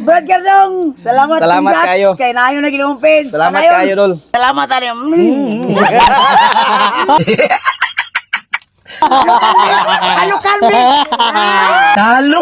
Brad Gardong, salamat congrats kayo. kay nayo na ginawang page. Salamat Panayon. kayo, Dol. Salamat ani. Ano kalme? Talo.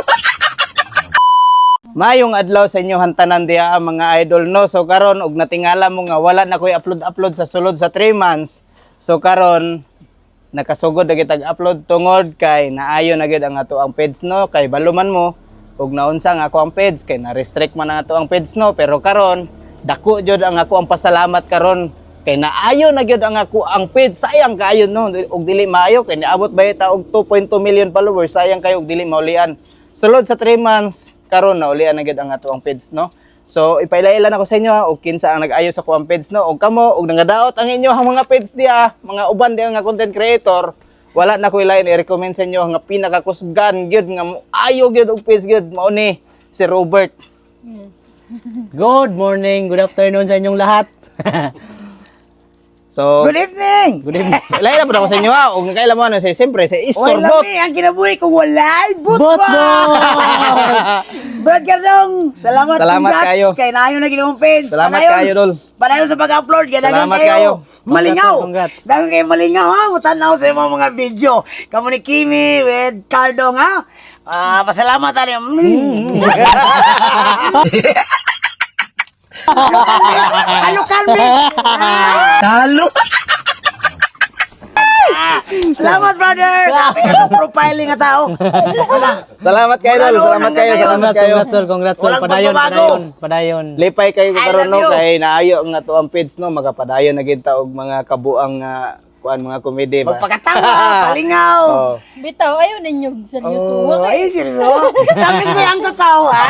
Mayong adlaw sa inyo hantanan diha mga idol no. So karon og natingala mo nga wala na koy upload sa sulod sa 3 months. So karon nakasugod na kitag upload tungod kay naayo na gid ang ato ang page no kay baluman mo ug naunsa nga ako ang page kay na-restrict man ang ato ang page no pero karon dako jud ang ako ang pasalamat karon kay naayo na gyud ang ako ang page sayang kaayo no ug dili maayo kay niabot ba ta og 2.2 million followers sayang kayo ug dili maulian sulod sa 3 months karon na ulian na gyud ang ato ang page no. So ipailailan ako sa inyo ha og kinsa ang nag-ayo sa kuang page no og kamo og nangadaot ang inyo ang mga page diha mga uban diha nga content creator wala na ko ilain i-recommend sa inyo nga pinakakusgan gyud nga ayo gyud og page gyud mao ni si Robert. Yes. Good morning, good afternoon sa inyong lahat. So Good evening. good evening. Ilain po ako sa inyo ha og kailan mo na say siyempre sa Oy, Istorbot. lami ang kinabuhi ko walay Botbot! Brad Gardong, salamat congrats kayo. kay nayo na ginawang page. Salamat Panayon. kayo, Dol. Panayon sa pag-upload kay daghang Salamat kayo. kayo. Malingaw. Congrats. Daghang kayo malingaw ha. Mutanaw sa imong mga video. Kamo ni Kimi with Cardong ha. Pasalamat ani. Ano kalme? Talo. Salamat brother. Grabe ka ng profiling nga tao. Salamat kayo, Dol. Salamat kayo, salamat kayo. Congrats, sir. Walang Padayon, pagbabago. padayon. Lipay kayo I karon love no you. kay naayo ang ato ang page no magapadayon na gid ta og mga kabuang kuan mga komedy ba. Magpakatawa, palingaw. Oh. Bitaw, ayaw ninyo seryoso. Oh, ay, seryoso. Tapos may ang kakao, ha?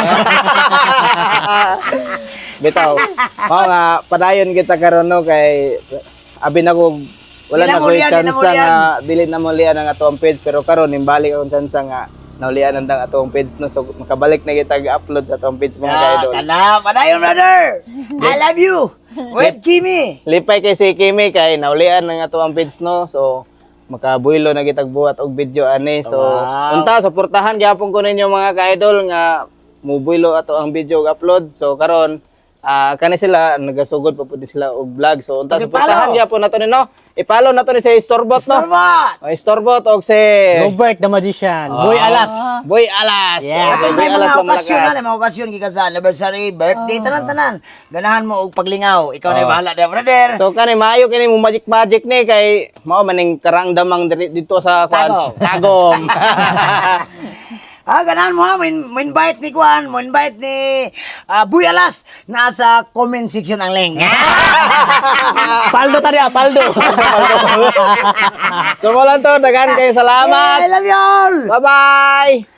Bitaw. Mao nga padayon kita karon no kay abi na ko wala Di na na ko mulian, di na chance mulian. nga dili na mo lian ang ato ang page pero karon nimbalik akong chance nga naulian ang ato ang page no so makabalik na kita upload sa ato ang page mga idol. Kana, padayon, brother. I love you. With Kimi. Lipay kay si Kimi kay naulian ang ato ang page no so makabuylo na kitag buhat og video ani so Wow. unta suportahan gyapon ko ninyo mga ka-idol nga mubuylo ato ang video og upload so karon kani sila nagasugod pa pud sila og vlog so unta Okay, suportahan follow. gyapon nato ni no i-follow nato ni si Istorbot no Salamat. Istorbot og si Robert the Magician. Boy Alas. Boy Alas Yeah. Ato Boy may Alas mga na okasyon, malakas. mga okasyon kika sa anniversary, birthday, tanan-tanan. Ganahan mo og paglingaw. Ikaw na bahala na, brother. So kani maayo kini mo magic ni kay mao maning karangdamang dito sa Tagom. Tagom. Ganahan mo ha, mo invite ni Kuan, mo invite ni Buy Alas. Nasa comment section ang link. Paldo tadi, Paldo. So mo lang to, daghan kayo salamat. I love you all. Bye-bye.